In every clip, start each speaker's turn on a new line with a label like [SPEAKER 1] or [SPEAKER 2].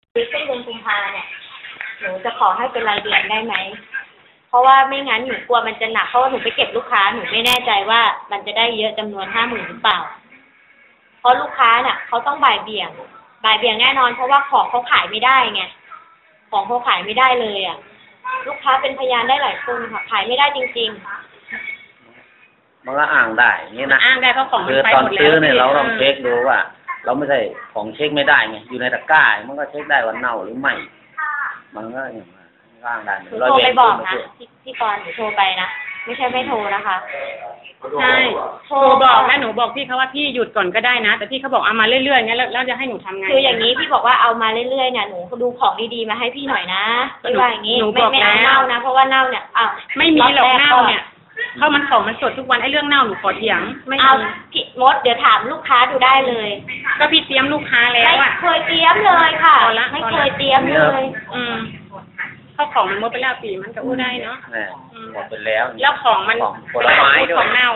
[SPEAKER 1] คือช่วงเดือนกุมภาเนี่ยหนูจะขอให้เป็นรายเดือนได้ไหมเพราะว่าไม่งั้นหนูกลัวมันจะหนักเพราะว่าหนูไปเก็บลูกค้าหนูไม่แน่ใจว่ามันจะได้เยอะจำนวน50,000หรือเปล่าเพราะลูกค้าเนี่ยเขาต้องบ่ายเบี่ยงแน่นอนเพราะว่าของเขาขายไม่ได้ไงของเขาขายไม่ได้เลยอ่ะลูกค้าเป็นพยานได้หลายคนค่ะขายไม่ได้จริง
[SPEAKER 2] ๆมันก็อ้างได้นี่นะ
[SPEAKER 3] อ้างได้เพราะของมันไปหมดแล้ว
[SPEAKER 2] คือตอนซื้อเนี่ยเราต้องเช็คดูว่าเราไม่ใช่ของเช็คไม่ได้ไงอยู่ในตะกร้ามันก็เช็คได้ว่าเน่าหรือไม่มันก็อย่างอ้างได้
[SPEAKER 1] หนูโทรไปบอกนะพี่กรณ์หนูโทรไปนะไม่ใช่ไม่โทรนะคะ
[SPEAKER 3] ใช่โทรบอกนะหนูบอกพี่เขาว่าพี่หยุดก่อนก็ได้นะแต่พี่เขาบอกเอามาเรื่อยๆงั้นแล้วจะให้หนูทำไง
[SPEAKER 1] คืออย่างนี้พี่บอกว่าเอามาเรื่อยๆเนี่ยหนูดูของดีๆมาให้พี่หน่อยนะพี่ว่าอย่างนี้ไม่เอาเน่านะเพราะว่าเน่าเนี่ย
[SPEAKER 3] ไม่มีหรอกเน่าเนี่ยเพราะมันของมันสดทุกวันไอ้เรื่องเน่าหนูขอเถียง
[SPEAKER 1] ไม่เอาพี่มดเดี๋ยวถามลูกค้าดูได้เลย
[SPEAKER 3] ก็พี่เตรียมลูกค้าแล้ว
[SPEAKER 1] ไม่เคยเตรียมเลยค่ะไม่เคยเตรียมเลย
[SPEAKER 3] ข้าวของมันหมดไปแล้วปีมันก็อู้ได้เนาะ
[SPEAKER 2] หมดไปแล้ว
[SPEAKER 3] แล้วของมัน
[SPEAKER 2] ผลไม้ด้วย
[SPEAKER 3] ของเน่า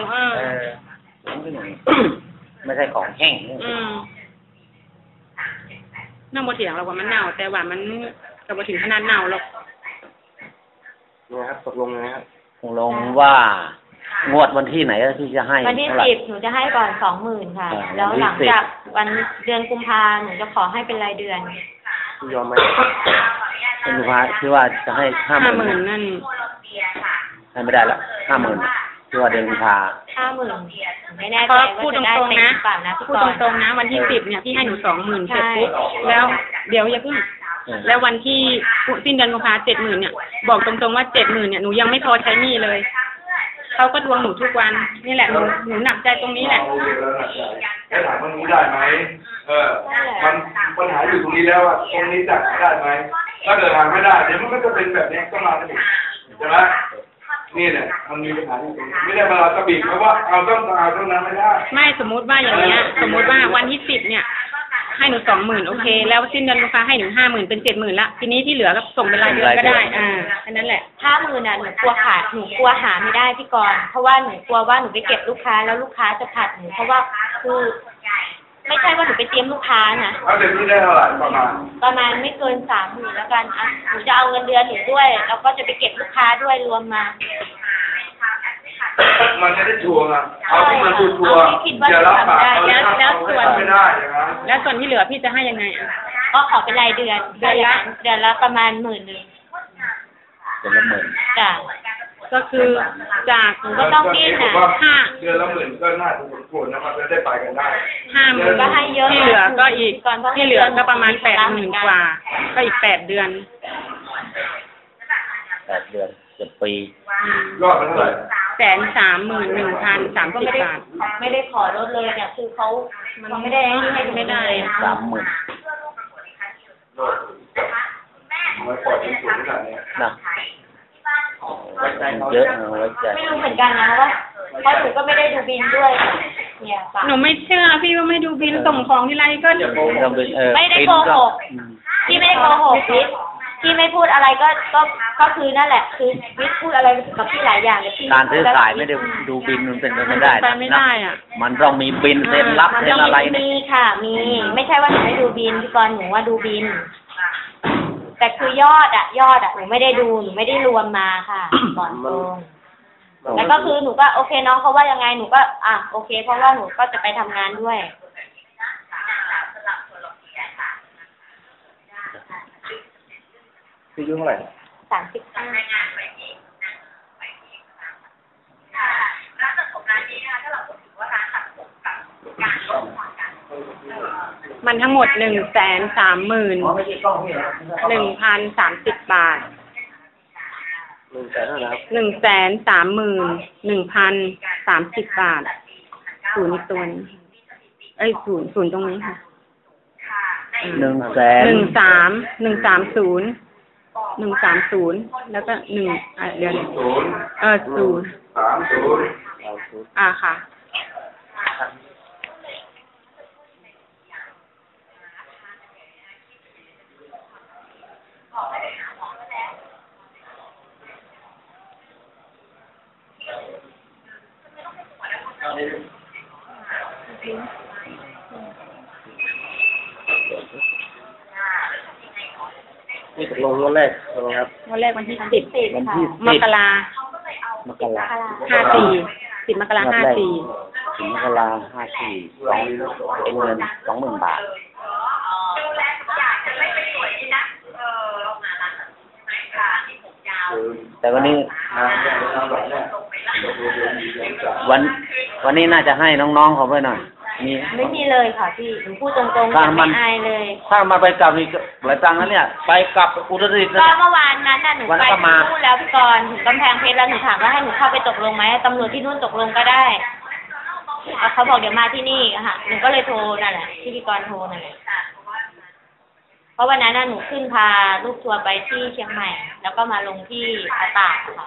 [SPEAKER 2] ไม่ใช่ของแห้ง
[SPEAKER 3] น่าโมเถียงเราว่ามันเน่าแต่ว่ามันจะมาถึงขนาดเน่าหรอก
[SPEAKER 4] เนี่ยครับตกลงนะครับ
[SPEAKER 2] ตกลงว่างวดวันที่ไหนที่จะให้
[SPEAKER 1] วันที่10หนูจะให้ก่อน20,000ค่ะแล้วหลังจากวันเดือนกุมภาหนูจะขอให้เป็นรายเดือน
[SPEAKER 4] ยอมไหม
[SPEAKER 2] เป็นกุมภาที่ว่าจะให้
[SPEAKER 3] 50,000นั่น
[SPEAKER 2] ให้ไม่ได้ละ50,000ที่ว่าเดือนกุมภา
[SPEAKER 1] 50,000ไม่แน่ใจว่าจะได้เป็นหรือเปล่านะ
[SPEAKER 3] พูดตรงๆนะวันที่10เนี่ยพี่ให้หนู20,000เสร็จปุ๊บแล้วเดี๋ยวอย่าเพิ่งแล้ววันที่สิ้นเดือนกุมภา70,000เนี่ยบอกตรงๆว่า70,000เนี่ยหนูยังไม่พอใช้หนี้เลยเขาก็ทวงหนูทุกวันนี่แหละหนูหนักใจตรงนี้แหละ
[SPEAKER 4] จะถามตรงนี้ได้ไหมมันปัญหาอยู่ตรงนี้แล้วว่าตรงนี้จัดได้ไหมถ้าเกิดทำไม่ได้เดี๋ยวมันก็จะเป็นแบบนี้ก็มากันอีกใช่ไหมนี่แหละมันมีปัญหาที่ตรงนี้ไม่ได้มาเราจะบีบเพราะว่าเอาต้องนั้นไม่ได้
[SPEAKER 3] ไม่สมมุติว่าอย่างเงี้ยสมมุติว่าวันที่10เนี่ยให้หนู20,000โอเคแล้วสิ้นเดือนกุมภาให้หนู50,000เป็น70,000ละทีนี้ที่เหลือก็ส่งเป็นรายเดือนก็ได้อันนั้นแหละ
[SPEAKER 1] 50,000น่ะหนูกลัวขาดหนูกลัวหาไม่ได้พี่กรณ์เพราะว่าหนูกลัวว่าหนูไปเก็บลูกค้าแล้วลูกค้าจะผัดหนูเพราะว่าคือไม่ใช่ว่าหนูไปเตรียมลูกค้านะ
[SPEAKER 4] เดือนนี้ได้เท่าไหร่
[SPEAKER 1] ประมาณไม่เกิน30,000แล้วกันหนูจะเอาเงินเดือนหนูด้วยแล้วก็จะไปเก็บลูกค้าด้วยรวมมา
[SPEAKER 4] มันไม่ได้ชัวร์อ่ะเอาที่มันชัวร์จะรับปาก
[SPEAKER 3] แล้วส่วน
[SPEAKER 4] ไม่ได้
[SPEAKER 3] แล้วส่วนที่เหลือพี่จะให้ยังไง
[SPEAKER 1] ก็ขอเป็นรายเดือนเดือนละประมาณ10,000
[SPEAKER 2] เดือนละ10,000
[SPEAKER 1] จ้ะ
[SPEAKER 3] ก็คือจาก
[SPEAKER 1] ก็ต้องดิ้นนะ
[SPEAKER 4] เดือนละ10,000ก็น่าจะสมควรนะมันจะได้ไปกันได้
[SPEAKER 3] 50,000
[SPEAKER 1] ก็ให้เยอะ
[SPEAKER 3] ที่เหลือก็อีกที่เหลือก็ประมาณ80,000กว่าก็อีก8 เดือน
[SPEAKER 2] 8 เดือน7 ปี
[SPEAKER 4] ยอดเป็นเท่าไหร่
[SPEAKER 3] 131,030 บาท
[SPEAKER 1] ไม่ได้ขอลดเลยเนี่ยคือเขาไม่ได้ให้
[SPEAKER 2] ไม่ได้30,000
[SPEAKER 4] ไม่ปล่อยที่สูงขนาดนี้
[SPEAKER 2] นะเยอะ
[SPEAKER 1] ไม่รู้เหมือนกันนะว่าเพราะหนูก็ไม่ได้ดูบินด้วยเนี่ย
[SPEAKER 3] หนูไม่เชื่อพี่ว่าไม่ดูบินส่งของที่ไรก็
[SPEAKER 1] ไม่ได้โกหกพี่ไม่ได้โกหกพี่ไม่พูดอะไรก็คือนั่นแหละคือวิทย์พูดอะไรกับพี่หลายอย่างเลยพี่
[SPEAKER 2] การซื้อขายไม่ได้ดูบินมันเป็นไปไม่ได้
[SPEAKER 3] อ่ะ
[SPEAKER 2] มันต้องมีบินเซ็นรับเซ็นอะไร
[SPEAKER 1] มีค่ะมีไม่ใช่ว่าหนูไม่ดูบินพี่กรณ์หนูว่าดูบินแต่คือยอดหนูไม่ได้ดูหนูไม่ได้รวมมาค่ะก่อนตรงแล้วก็คือหนูก็โอเคน้องเขาว่ายังไงหนูก็โอเคเพราะว่าหนูก็จะไปทำงานด้วย
[SPEAKER 4] พี่ยุ่งเท่าไหร่
[SPEAKER 1] 35
[SPEAKER 3] มันทั้งหมด130,000 1,030 บาท130,000 บาทศูนย์ตัวนี้ศูนย์ตรงนี้ค่ะ
[SPEAKER 2] 130,000
[SPEAKER 3] แล้วก็1เดือน030ค่ะ
[SPEAKER 2] นี่ตกลงงวดแรกครับ
[SPEAKER 3] วันแรกวันที่10
[SPEAKER 2] วันที่
[SPEAKER 3] มกรา
[SPEAKER 2] มกรา
[SPEAKER 3] 54 10 มกรา54
[SPEAKER 2] 10 มกรา54เป็นเงิน 20,000 บาทแต่วันนี้วันนี้น่าจะให้น้องๆเขาไปหน่อยมี
[SPEAKER 1] ไม่มีเลยค่ะพี่หนูพูดตรงๆไม่อายเลย
[SPEAKER 2] ถ้ามาไปกลับอีกหลายตังค์นะเนี่ยไปกลับอุตรดิตถ์
[SPEAKER 1] ก็เมื่อวานนั้นน่ะหนูไปที่นู่นแล้วพี่กรณ์ถึงกำแพงเพชรแล้วหนูถามว่าให้หนูเข้าไปตกลงไหมตำรวจที่นู่นตกลงก็ได้เขาบอกเดี๋ยวมาที่นี่ค่ะหนูก็เลยโทรนั่นแหละที่พี่กรณ์โทรนั่นแหละเพราะวันนั้นน่ะหนูขึ้นพาลูกทัวร์ไปที่เชียงใหม่ แล้วก็มาลงที่อาตากค่ะ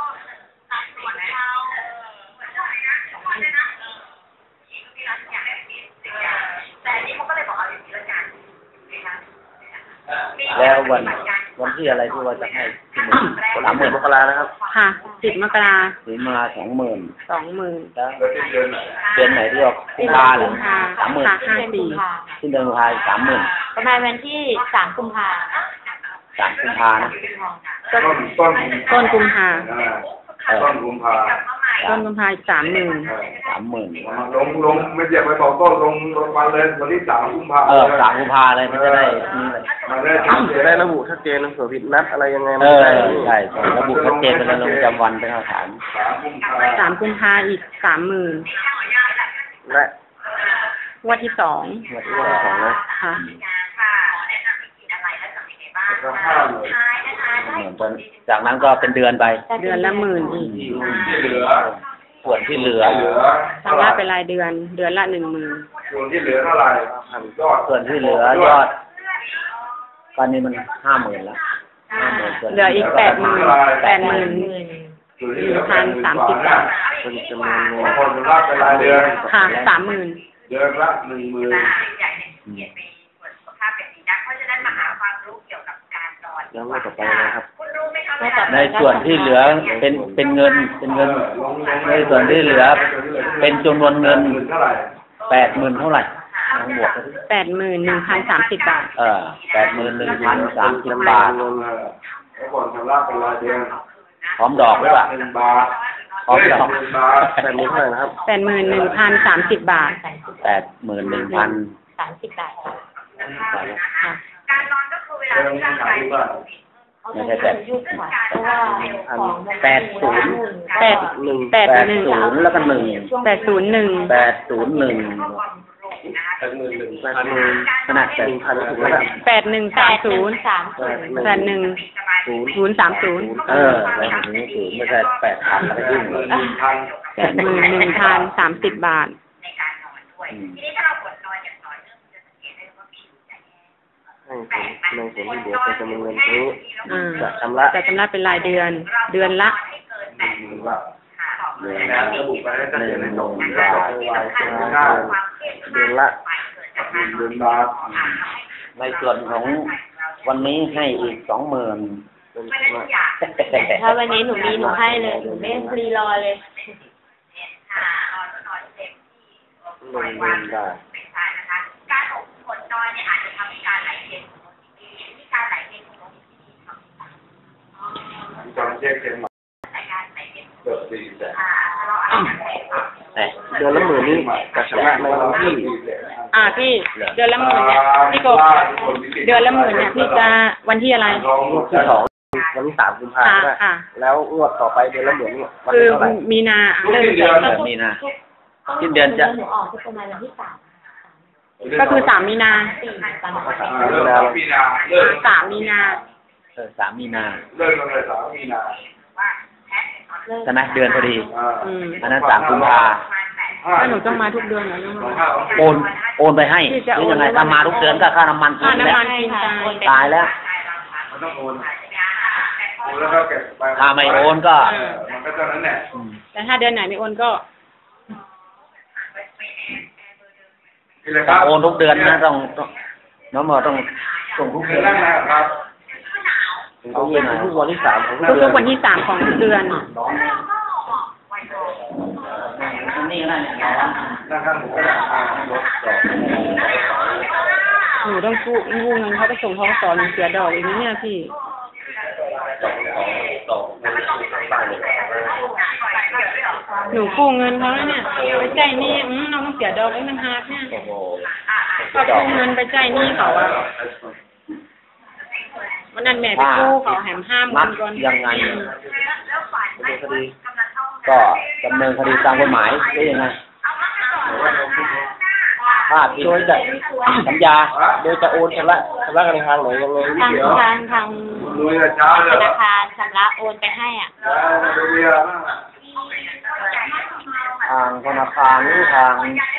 [SPEAKER 2] แล้ววันที่อะไรที่ว่าจะให้30,000 มกรานะครับ
[SPEAKER 3] ค่ะ 10 มกรา
[SPEAKER 2] 10 มกรา 20,000 แล้ว
[SPEAKER 4] แล้วที่เดือนไหน
[SPEAKER 2] เดือนไหนที่ออกกุมภาเหรอ
[SPEAKER 3] ค่ะ
[SPEAKER 2] 30,000 ที่เดือนกุมภาอีก 30,000
[SPEAKER 1] ประมาณวันที่3 กุมภา
[SPEAKER 2] 3 กุมภานะ
[SPEAKER 3] ต้นกุมภา
[SPEAKER 4] ต้นกุมภา
[SPEAKER 3] ต้นกุมภาอีก 30,000
[SPEAKER 2] 30,000
[SPEAKER 4] ลงไม่อยากไปบอกต้นลงวันเลยวันที่3 กุมภา
[SPEAKER 2] 3 กุมภาเลยมันจะได้นี่เลย
[SPEAKER 4] มาได้
[SPEAKER 5] จะได้ระบุชัดเจนนะเผื่อผิดนัดอะไรยังไง
[SPEAKER 2] ใช่ระบุชัดเจนเป็นลงจำวันเป็นหลักฐาน
[SPEAKER 3] 3 กุมภาอีก 30,000
[SPEAKER 5] และ
[SPEAKER 3] งวดที่ 2
[SPEAKER 5] งวดที่2นะ
[SPEAKER 3] ค่ะ
[SPEAKER 4] ก็5 เลย
[SPEAKER 2] จากนั้นก็เป็นเดือนไป
[SPEAKER 3] เดือนละ10,000อีก
[SPEAKER 4] ที่เหลือ
[SPEAKER 2] ส่วนที่เหลือ
[SPEAKER 3] ชำระเป็นรายเดือน เดือนละ 10,000
[SPEAKER 4] ส่วนที่เหลือเท่าไหร่ยอด
[SPEAKER 2] ส่วนที่เหลือยอดตอนนี้มัน 50,000 แล้ว
[SPEAKER 3] เหลืออีก 80,000
[SPEAKER 4] ส่วนที่เหลือ
[SPEAKER 3] 1,030 บาท
[SPEAKER 5] เป็นจำนวนเงิน
[SPEAKER 4] คนรับเป็นรายเดือน
[SPEAKER 3] ค่ะ 30,000
[SPEAKER 4] เดือนละ 10,000
[SPEAKER 5] แล้วงวดต่อไปนะครับ
[SPEAKER 2] ในส่วนที่เหลือเป็นเงินในส่วนที่เหลือเป็นจำนวนเงิน
[SPEAKER 4] เท่าไหร่
[SPEAKER 2] 80,000 เท่าไหร่ทั้งบวก
[SPEAKER 3] 81,030 บาท
[SPEAKER 2] 81,030 บาท
[SPEAKER 4] แล้วก่อนชำระเป็นรายเดือน
[SPEAKER 2] พร้อมดอกหรือเปล่า
[SPEAKER 4] 1 บาท
[SPEAKER 2] พร้อมดอก
[SPEAKER 4] 1 บาท
[SPEAKER 5] แบบนี้เท่าไหร่นะครับ
[SPEAKER 3] 81,030 บาท
[SPEAKER 1] 30 บาทค่ะ
[SPEAKER 3] ค่ะ
[SPEAKER 4] เรื่องนี้ขายที่บ้าน
[SPEAKER 2] ไม่ใช่
[SPEAKER 1] ยุคค่ะเพราะว่าของมัน
[SPEAKER 3] 80
[SPEAKER 2] แล้วก็1
[SPEAKER 3] 801
[SPEAKER 2] ขนาด
[SPEAKER 5] 1,000 แล้วก็
[SPEAKER 3] 8130 81 030
[SPEAKER 2] แล้วถึงไม่ใช่8,000แล้วก็ยิ่งเลย
[SPEAKER 3] 81,030 บาท
[SPEAKER 5] ให้ในส่วนที่เหลือเป็นจำนวนเงินนี้
[SPEAKER 3] จะ
[SPEAKER 5] ชำระ
[SPEAKER 3] เป็นรายเดือน เดือนละ
[SPEAKER 2] เดือน
[SPEAKER 4] ระบุไปให้ชัดเจนในตรง
[SPEAKER 2] บาท
[SPEAKER 5] เดือนละ
[SPEAKER 4] 1 บาท
[SPEAKER 2] ในส่วนของวันนี้ให้อีก 20,000
[SPEAKER 5] เป็นชำระ
[SPEAKER 1] ถ้าวันนี้หนูมีหนูให้เลยหนูไม่รีรอเลย
[SPEAKER 5] 1,000 บาท
[SPEAKER 4] ตอนเช็คเช็คมาเกือบ400,000
[SPEAKER 5] เดือนละ10,000นี้จะชำระในวันที่
[SPEAKER 3] พี่เดือนละ10,000เนี่ยพี่กบเดือนละ10,000เนี่ยพี่จะวันที่อะไร
[SPEAKER 5] งวดที่2วันที่3 กุมภาพันธ์
[SPEAKER 3] ค่ะ
[SPEAKER 5] แล้วงวดต่อไปเดือนละ10,000นี่วัน
[SPEAKER 3] คือ
[SPEAKER 5] ที่เท่าไหร่
[SPEAKER 3] มีนาเริ่ม
[SPEAKER 2] มีนา สิ้นเดือนจะ
[SPEAKER 1] หนูออกที่ประมาณวันที่3
[SPEAKER 3] ก็คือ3 มีนา
[SPEAKER 1] 4 ประมาณ
[SPEAKER 4] เริ่มมีนาเริ่ม
[SPEAKER 3] 3 มีนา
[SPEAKER 2] 3 มีนา
[SPEAKER 4] เริ่มตั้งแต่3 มีนา
[SPEAKER 2] ใช่ไหมเดือนพอดี อันนั้น3 กุมภา
[SPEAKER 3] ถ้าหนูต้องมาทุกเดือนเหรอน้อง
[SPEAKER 2] โอนไปให้หรือยังไงถ้ามาทุกเดือนก็ค่าน้ำมัน
[SPEAKER 3] ค่าน้ำมัน
[SPEAKER 2] ตายแล้ว
[SPEAKER 4] มันต้องโอนแล้วก็เก็บไป
[SPEAKER 2] ถ้าไม่โอนก็
[SPEAKER 4] มันก็เท่านั้นแหละ
[SPEAKER 3] แต่ถ้าเดือนไหนไม่โอนก็
[SPEAKER 4] นี่แหละครับ
[SPEAKER 2] โอนทุกเดือนนะต้องน้องหมอต้องส่งทุก
[SPEAKER 4] เดื
[SPEAKER 2] เดื
[SPEAKER 4] อ
[SPEAKER 2] อน น
[SPEAKER 4] แรกนะครับ
[SPEAKER 5] เอาเป็นทุกวันที่3ของ
[SPEAKER 3] ทุกๆวันที่3ของทุกเดือน
[SPEAKER 2] นี่นั่นเนี่ย
[SPEAKER 4] นั่งข้างหมูก็ได้รถจอด
[SPEAKER 3] นนูต้องกู้เงินเขาไปส่งทกสหนูเสียดอกอีกนิดเนี่ยพี่หนูกู้เงินเขาแล้วเนี่ยไปจ่ายหนี้เราต้องเสียดอกอีก1,500เนี่ยก็กู้เงินไปจ่ายหนี้เขาอะวันนั้นแม่ไปกู้เขาแหม50,000ก่อน
[SPEAKER 2] ยังไงก็ดำเนินคดีตามกฎหมายได้ยังไงถ้าโดยจะสัญญาโดยจะโอนชำระกันในทางไหนยังไง
[SPEAKER 1] ทางธนาคารชำระโอนไปให้อ่ะ
[SPEAKER 2] ทางธนาคารหรือทาง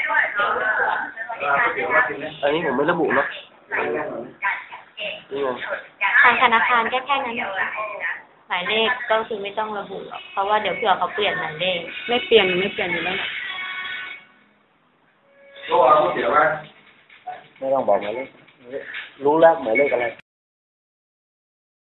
[SPEAKER 5] อันนี้ผมไม่ระบุเนาะ
[SPEAKER 1] ทางธนาคารแค่นั้นหมายเลขก็คือไม่ต้องระบุหรอกเพราะว่าเดี๋ยวเผื่อเขาเปลี่ยนหมายเลข
[SPEAKER 3] ไม่เปลี่ยนอยู่แล้ว
[SPEAKER 4] ตัวเอาเสียไหม
[SPEAKER 2] ไม่ต้องบอกหมายเลขรู้แล้วหมายเลขอะไร